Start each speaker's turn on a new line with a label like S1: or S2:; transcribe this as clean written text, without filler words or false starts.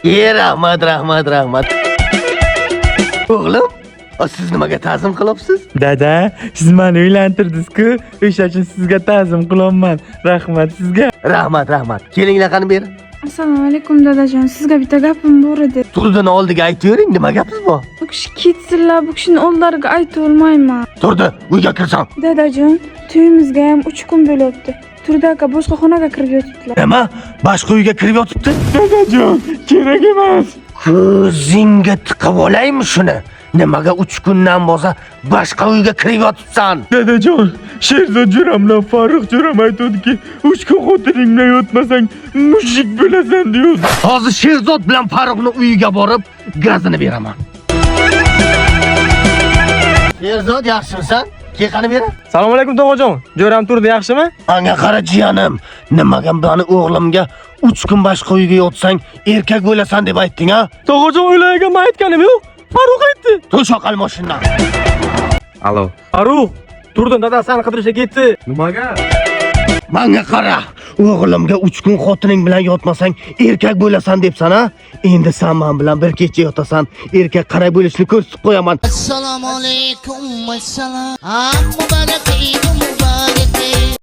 S1: Rahmat. O'g'lim, siz nimaga ta'zim qilyapsiz?
S2: Dada, siz meni uylantirdingiz-ku, o'sha uchun sizga ta'zim qilaman. Rahmat sizga.
S1: Rahmat. Kelinglar qani beri.
S3: Assalomu alaykum dadajon, sizga bitta gapim bor edi.
S1: Turdining oldiga aytavering, nima gapingiz bor?
S3: Bu kishi ketsinlar, bu kishini oldilariga aytib olmayman.
S1: Turdi, uyga kirsan.
S3: Dadajon, to'yimizga ham 3 kun bo'libdi. Turdi aka boshqa xonaga kirib yotibdilar.
S1: Nima? Boshqa uyga kirib yotibdi?
S2: Dadajon, kerak emas.
S1: Ko'zingga tiqib olaymi shuni? Nimaga 3 kundan bo'lsa boshqa uyga kirib yotibsan?
S2: Dadajon, Sherzod jo'ramlar Farruh jo'ram aytadiki, 3 kun xotining bilan yotmasang mushuk bo'lasan deydi.
S1: Hozir Sherzod bilan Farruhning uyiga borib, gazini beraman. Sherzod, yaxshimisan? Qani beri.
S2: Assalomu alaykum tog'ajon. Jo'ram turdi, yaxshimi?
S1: Anga qara jiyanim. Nimaga bani o'g'limga 3 kun boshqa uyga yotsang, erkak bo'lasan deb aytding, ha?
S2: Tog'ajon o'ylagan aytganim yo'q. Farruh aytdi.
S1: To'shaqal mashinadan.
S2: Alo. Farruh, turdim dada seni qidirishga ketdi. Nimaga?
S1: Menga qara. O'g'limga 3 kun xotining bilan yotmasang, erkak bo'lasan debsan, ha? Endi sen men bilan bir kecha yotasan, erkak qaray bo'lishini ko'rsatib qo'yaman.
S4: Assalomu alaykum. Assalom. Muborak Eid muborak.